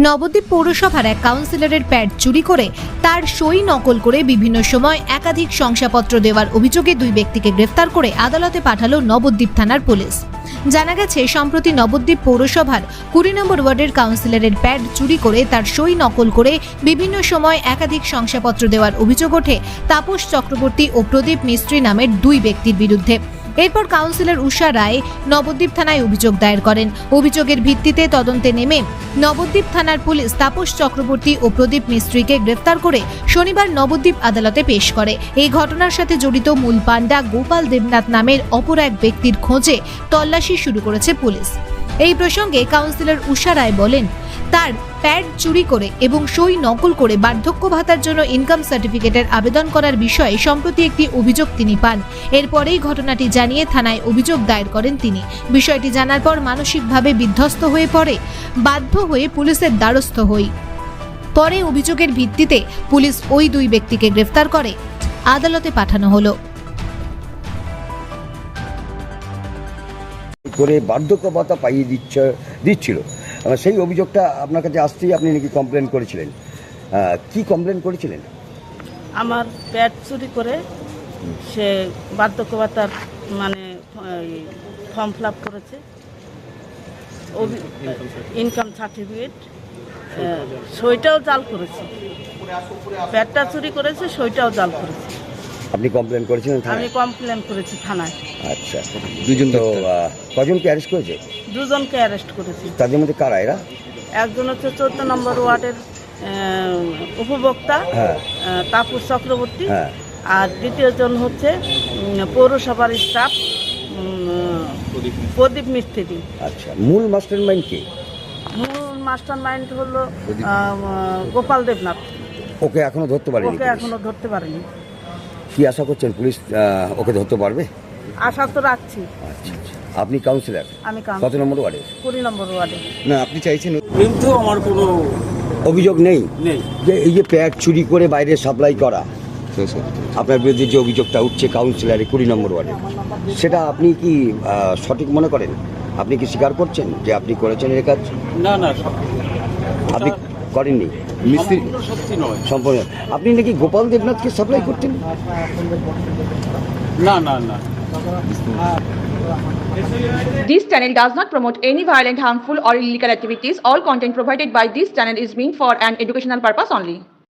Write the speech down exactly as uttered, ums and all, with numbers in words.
নবদ্বীপ পৌরসভার এক কাউন্সিলরের প্যাড চুরি করে তার সই নকল করে বিভিন্ন সময় একাধিক শংসাপত্র দেওয়ার অভিযোগে দুই ব্যক্তিকে গ্রেফতার করে আদালতে পাঠালো নবদ্বীপ থানার পুলিশ। জানা গেছে, সম্প্রতি নবদ্বীপ পৌরসভার কুড়ি নম্বর ওয়ার্ডের কাউন্সিলরের প্যাড চুরি করে তার সই নকল করে বিভিন্ন সময় একাধিক শংসাপত্র দেওয়ার অভিযোগ ওঠে তাপস চক্রবর্তী ও প্রদীপ মিস্ত্রি নামের দুই ব্যক্তির বিরুদ্ধে। এরপর কাউন্সিলর উষা রায় নবদ্বীপ থানায় অভিযোগ দায়ের করেন। অভিযোগের ভিত্তিতে তদন্তে নেমে নবদ্বীপ থানার পুলিশ তাপস চক্রবর্তী ও প্রদীপ মিস্ত্রিকে গ্রেফতার করে শনিবার নবদ্বীপ আদালতে পেশ করে। এই ঘটনার সাথে জড়িত মূল পাণ্ডা গোপাল দেবনাথ নামের অপর এক ব্যক্তির খোঁজে তল্লাশি শুরু করেছে পুলিশ। এই প্রসঙ্গে কাউন্সিলর উষা রায় বলেন, তার প্যাড চুরি করে এবং সই নকল করে বার্ধক্য ভাতার জন্য ইনকাম সার্টিফিকেটের আবেদন করার বিষয়ে সম্প্রতি একটি অভিযোগ তিনি পান। এরপরেই ঘটনাটি জানিয়ে থানায় অভিযোগ দায়ের করেন তিনি। বিষয়টি জানার পর মানসিকভাবে বিধ্বস্ত হয়ে পড়ে বাধ্য হয়ে পুলিশের দ্বারস্থ হই। পরে অভিযোগের ভিত্তিতে পুলিশ ওই দুই ব্যক্তিকে গ্রেফতার করে আদালতে পাঠানো হলো। করে বার্ধক্য ভাতা পাইয়ে দিচ্ছে দিচ্ছিল সেই অভিযোগটা আপনার কাছে আসতেই আপনি নাকি কমপ্লেন করেছিলেন। কি কমপ্লেন করেছিলেন? আমার প্যাড চুরি করে সে বার্ধক্য ভাতার মানে ফর্ম ফিল আপ করেছে, ইনকাম সার্টিফিকেট, সইটাও জাল করেছে। প্যাডটা চুরি করেছে, সইটাও জাল করেছে। আপনি কমপ্লেন করেছিলেন? আমি কমপ্লেন করেছি থানায়। আচ্ছা, দুজন তো কজনকে অ্যারেস্ট করেছে? দুজনকে অ্যারেস্ট করেছি। তাদের মধ্যে কারা এরা? একজন হচ্ছে চোদ্দ নম্বর ওয়ার্ডের উপভোক্তা তাপস চক্রবর্তী, আর দ্বিতীয়জন হচ্ছে পৌরসভার স্টাফ প্রদীপ মিস্ত্রি। আচ্ছা, মূল মাস্টার মাইন্ড কে? মূল মাস্টার মাইন্ড হলো গোপাল দেবনাথ। ওকে এখনো ধরতে পারেনি? ওকে এখনো ধরতে পারেনি। কি আশা করছেন পুলিশ ওকে ধরতে পারবে? আশা তো রাখছি। আচ্ছা, আপনি কাউন্সিলর? আমি কত নম্বর ওয়ার্ডে? কুড়ি নম্বর ওয়ার্ডে। না, আপনি চাইছেন? কিন্তু আমার কোনো অভিযোগ নেই নেই যে এই যে প্যাড চুরি করে বাইরে সাপ্লাই করা, আপনার বিরুদ্ধে যে অভিযোগটা উঠছে কাউন্সিলরে কুড়ি নম্বর ওয়ার্ডে, সেটা আপনি কি সঠিক মনে করেন? আপনি কি স্বীকার করছেন যে আপনি করেছেন এর কাজ? না না, আপনি করেননি। মিস্ত্রি সত্যি নয় সম্পূর্ণ। আপনি নাকি গোপাল দেবনাথকে সাপ্লাই করতেন? না না না। This channel does not promote any violent, harmful or illegal activities. All content provided by this channel is meant for an educational purpose only.